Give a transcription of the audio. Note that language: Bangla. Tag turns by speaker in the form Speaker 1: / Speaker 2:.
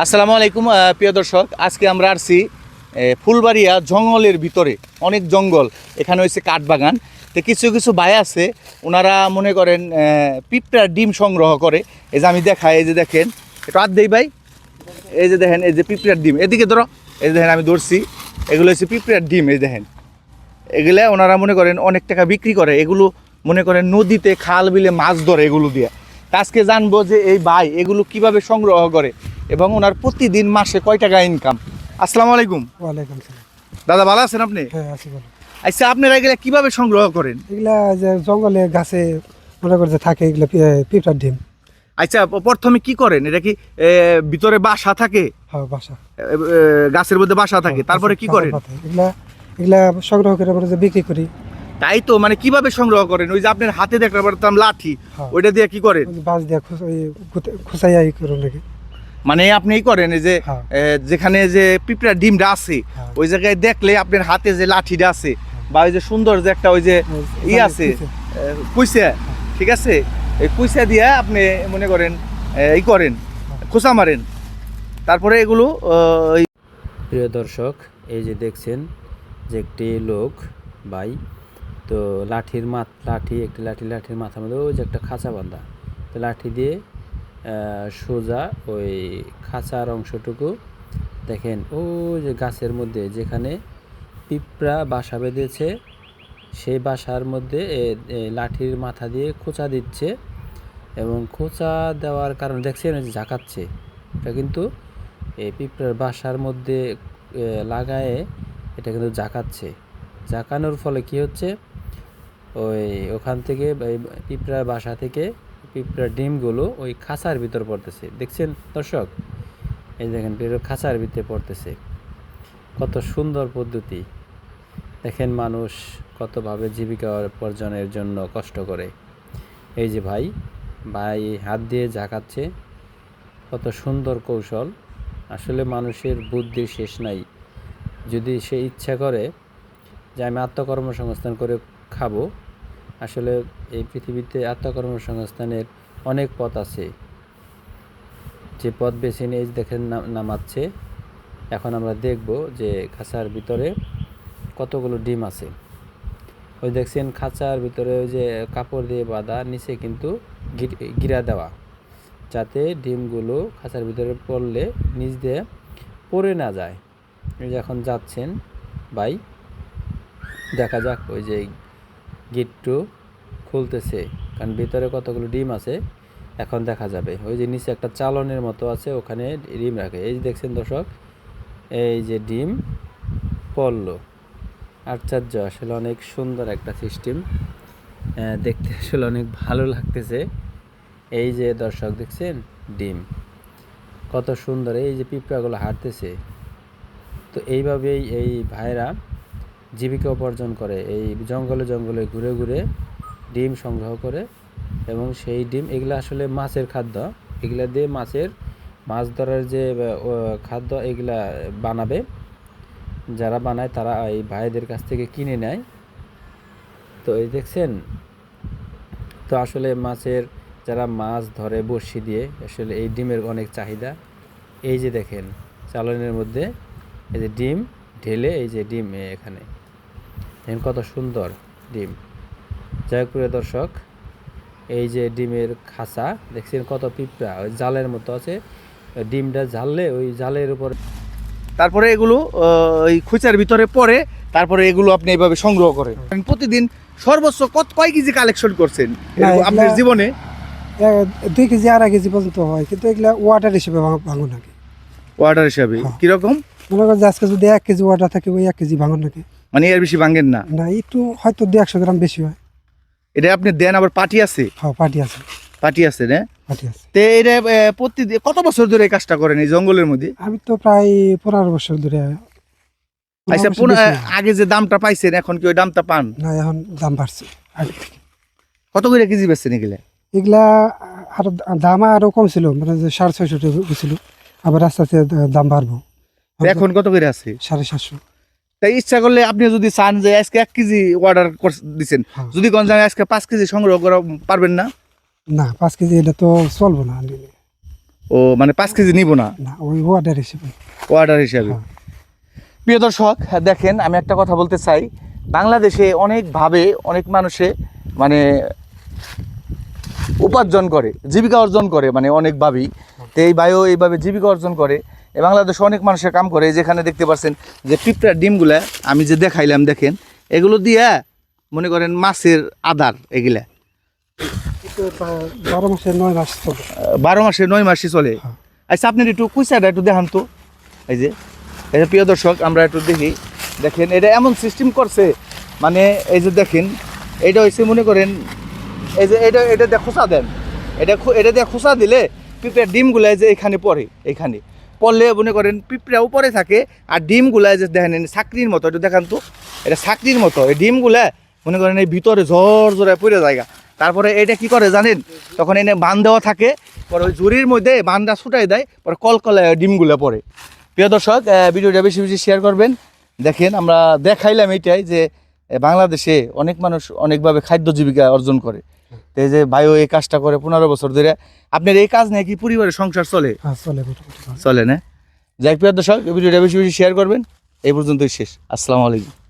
Speaker 1: আসসালামু আলাইকুম প্রিয় দর্শক, আজকে আমরা আসছি ফুলবাড়িয়া জঙ্গলের ভিতরে। অনেক জঙ্গল, এখানে হয়েছে কাঠবাগান। তো কিছু কিছু ভাই আছে, ওনারা মনে করেন পিঁপড়ার ডিম সংগ্রহ করে। এই যে আমি দেখাই, এই যে দেখেন, একটু হাত দেই ভাই, এই যে দেখেন, এই যে পিঁপড়ার ডিম, এদিকে ধরো, এই যে দেখেন আমি ধরছি, এগুলো হচ্ছে পিঁপড়ার ডিম। এই দেখেন, এগুলা ওনারা মনে করেন অনেক টাকা বিক্রি করে। এগুলো মনে করেন নদীতে, খাল বিলে মাছ ধরে এগুলো দিয়ে। আজকে জানবো যে এই ভাই এগুলো কিভাবে সংগ্রহ করে এবং ওনার প্রতিদিন মাসে কয় টাকা ইনকাম। আসসালামু আলাইকুম।
Speaker 2: ওয়ালাইকুম সালাম।
Speaker 1: দাদা ভালো আছেন আপনি?
Speaker 2: হ্যাঁ আছি ভালো।
Speaker 1: আচ্ছা, আপনারা এগুলা কিভাবে সংগ্রহ করেন?
Speaker 2: এগুলা যে জঙ্গলে গাছে মনে করছে থাকে, এগুলা পিঁপড়ার ডিম।
Speaker 1: আচ্ছা, প্রথমে কি করেন? এটা কি ভিতরে বাসা থাকে?
Speaker 2: হ্যাঁ বাসা,
Speaker 1: গাছের মধ্যে বাসা থাকে, তারপরে কি করেন?
Speaker 2: এগুলা এগুলা সংগ্রহ করে আমরা যে বিক্রি করি।
Speaker 1: তাই তো, মানে কিভাবে সংগ্রহ করেন? ওই যে আপনার হাতে দেখতে পারতাম লাঠি, ওইটা দিয়ে কি করেন?
Speaker 2: বাঁশ দিয়ে খুঁচাইয়া ই করুন নাকি।
Speaker 1: মানে আপনি এই করেন এই যে যেখানে যে পিঁপড়ার ডিমটা আছে, ওই জায়গায় দেখলে আপনার হাতে যে লাঠিটা আছে বা ওই যে সুন্দর যে একটা ওই যে ই আছে কুইসা, ঠিক আছে, এই কুইসা দিয়ে আপনি মনে করেন এই করেন, খোসা মারেন, তারপরে এগুলো।
Speaker 3: প্রিয় দর্শক, এই যে দেখছেন যে একটি লোক ভাই, তো লাঠির লাঠির মাথার মধ্যে ওই যে একটা খাঁচা বাঁধা, তো লাঠি দিয়ে সোজা ওই খাঁচার অংশটুকু দেখেন, ও যে গাছের মধ্যে যেখানে পিঁপড়া বাসা বেঁধেছে সেই বাসার মধ্যে লাঠির মাথা দিয়ে খোঁচা দিচ্ছে। এবং খোঁচা দেওয়ার কারণে দেখছেন যে ঝাঁকাচ্ছে, এটা কিন্তু এই পিঁপড়ার বাসার মধ্যে লাগায়ে এটা কিন্তু ঝাঁকাচ্ছে। ঝাঁকানোর ফলে কি হচ্ছে, ওখান থেকে পিঁপড়ার বাসা থেকে পিঁপড়ার ডিমগুলো ওই খাঁচার ভিতর পড়তেছে। দেখছেন দর্শক, এই দেখেন খাঁচার ভিতরে পড়তেছে। কত সুন্দর পদ্ধতি! দেখেন মানুষ কতভাবে জীবিকা অর্জনের জন্য কষ্ট করে। এই যে ভাই হাত দিয়ে ঝাঁকাচ্ছে, কত সুন্দর কৌশল! আসলে মানুষের বুদ্ধির শেষ নাই। যদি সে ইচ্ছা করে যে আমি আত্মকর্মসংস্থান করে খাবো, আসলে এই পৃথিবীতে আত্মকর্মসংস্থানের অনেক পথ আছে। যে পথ বেছে নিয়ে দেখেন নামাচ্ছে। এখন আমরা দেখব যে খাঁচার ভিতরে কতগুলো ডিম আছে। ওই দেখছেন খাঁচার ভিতরে ওই যে কাপড় দিয়ে বাঁধা, নিচে কিন্তু গিরা দেওয়া, যাতে ডিমগুলো খাঁচার ভিতরে পড়লে নিচ দিয়ে পড়ে না যায়। এই যে এখন যাচ্ছেন ভাই, দেখা যাক ওই যে গিট্টু খুলতেছে, কারণ ভিতরে কতগুলো ডিম আছে এখন দেখা যাবে। ওই যে নিচে একটা চালনের মতো আছে, ওখানে ডিম রাখে। এই যে দেখছেন দর্শক, এই যে ডিম পড়লো। আশ্চর্য, আসলে অনেক সুন্দর একটা সিস্টেম, দেখতে আসলে অনেক ভালো লাগতেছে। এই যে দর্শক দেখছেন ডিম কত সুন্দর, এই যে পিঁপড়াগুলো হাঁটতেছে। তো এইভাবেই এই ভাইরা জীবিকা উপার্জন করে, এই জঙ্গলে জঙ্গলে ঘুরে ঘুরে ডিম সংগ্রহ করে। এবং সেই ডিম, এগুলো আসলে মাছের খাদ্য, এগুলা দিয়ে মাছ ধরার যে খাদ্য এগুলা বানাবে। যারা বানায় তারা এই ভাইদের কাছ থেকে কিনে নেয়। তো এই দেখছেন, তো আসলে যারা মাছ ধরে বড়শি দিয়ে, আসলে এই ডিমের অনেক চাহিদা। এই যে দেখেন চালনের মধ্যে এই যে ডিম ঢেলে, এই যে ডিম এখানে দেখেন কত সুন্দর ডিম। যাই হোক প্রিয় দর্শক, এই যে ডিমের খাঁচা দেখছেন, কত পিঁপড়া ওই জালের মতো আছে, ডিমটা ঝাললে ওই জালের উপর,
Speaker 1: তারপরে এগুলো ওই খুঁচার ভিতরে পড়ে, তারপরে এগুলো আপনি এইভাবে সংগ্রহ করেন। প্রতিদিন সর্বোচ্চ কয় কেজি কালেকশন করছেন আপনার জীবনে?
Speaker 2: 2 কেজি 2.5 কেজি পর্যন্ত হয়, কিন্তু এগুলা ওয়াটার হিসেবে ভাঙুন নাকি।
Speaker 1: ওয়াটার হিসাবে কিরকম?
Speaker 2: মনে করেন যে আজকে যদি 1 কেজি ওয়াটার থাকে, ওই 1 কেজি ভাঙুন নাকি।
Speaker 1: মানে এর বেশি ভাঙেন না?
Speaker 2: না, একটু হয়তো 150 গ্রাম বেশি হয়।
Speaker 1: এটা আপনি দেন? আবার পার্টি আছে?
Speaker 2: হ্যাঁ পার্টি আছে।
Speaker 1: পার্টি আছে না?
Speaker 2: পার্টি আছে।
Speaker 1: তো এটা প্রতিদিন কত বছর ধরে এই কাজটা করেন এই জঙ্গলের মধ্যে?
Speaker 2: আমি তো প্রায় 15 বছর ধরে।
Speaker 1: আচ্ছা, আগে যে দামটা পাইছেন এখন কি ওই দামটা পান?
Speaker 2: না, এখন দাম বাড়ছে আগে থেকে।
Speaker 1: কত করে কেজি বেচছেন এগুলা?
Speaker 2: এগুলা আরো দাম আরো কম ছিল, মানে যে 650 টাকা ছিল, আবার আস্তে আস্তে দাম বাড়বো।
Speaker 1: এখন কত করে আছে?
Speaker 2: 750।
Speaker 1: তাই ইচ্ছা করলে আপনি যদি চান যে আজকে 1 কেজি অর্ডার দিচ্ছেন, যদি কোন জায়গায় আজকে 5 কেজি সংগ্রহ করা পারবেন না?
Speaker 2: না, 5 কেজি এটা তো চলবো না।
Speaker 1: ও মানে 5 কেজি নিব না,
Speaker 2: না ওই ওয়ার্ডার হিসেবে।
Speaker 1: অর্ডার হিসাবে।
Speaker 2: হ্যাঁ।
Speaker 1: প্রিয় দর্শক দেখেন, আমি একটা কথা বলতে চাই, বাংলাদেশে অনেকভাবে অনেক মানুষে মানে উপার্জন করে, জীবিকা অর্জন করে, মানে অনেকভাবেই। তো এই ভাইও এইভাবে জীবিকা অর্জন করে। বাংলাদেশে অনেক মানুষের কাম করে। যেখানে দেখতে পাচ্ছেন যে পিঁপড়ার ডিমগুলা আমি যে দেখাইলাম, দেখেন এগুলো দিয়া মনে করেন মাছের আদার, এগুলা
Speaker 2: 12 মাসে 9 মাস চলে।
Speaker 1: 12 মাসে 9 মাসই চলে।
Speaker 2: হ্যাঁ।
Speaker 1: আচ্ছা আপনি একটু কুইসাটা একটু দেখান তো। এই যে প্রিয় দর্শক আমরা একটু দেখি, দেখেন এটা এমন সিস্টেম করছে, মানে এই যে দেখেন এটা হচ্ছে মনে করেন এই যে এটা দিয়ে খোসা দেন, এটা দিয়ে খোসা দিলে পিঁপড়ার ডিমগুলা যে এখানে পড়ে, এখানে পড়লে মনে করেন পিঁপড়া উপরে থাকে, আর ডিমগুলা যে দেখেন চাকরির মতো, এটা দেখান তো, এটা চাকরির মতো এই ডিমগুলা মনে করেন এই ভিতরে ঝড় ঝরে পড়ে জায়গা। তারপরে এটা কি করে জানেন, তখন এনে বান দেওয়া থাকে, পরে ওই জুরির মধ্যে বানটা ছুটাই দেয়, পরে কলকলায় ডিমগুলো পড়ে। প্রিয় দর্শক ভিডিওটা বেশি বেশি শেয়ার করবেন। দেখেন আমরা দেখাইলাম এইটাই যে বাংলাদেশে অনেক মানুষ অনেকভাবে খাদ্য জীবিকা অর্জন করে। তো এই যে ভাইও এই কাজটা করে 15 বছর ধরে। আপনার এই কাজ নিয়ে কি পরিবারের সংসার চলে?
Speaker 2: হ্যাঁ চলে মোটামুটি।
Speaker 1: চলে না? যাই প্রিয় দর্শক ভিডিওটা বেশি বেশি শেয়ার করবেন। এই পর্যন্তই শেষ। আসসালামু আলাইকুম।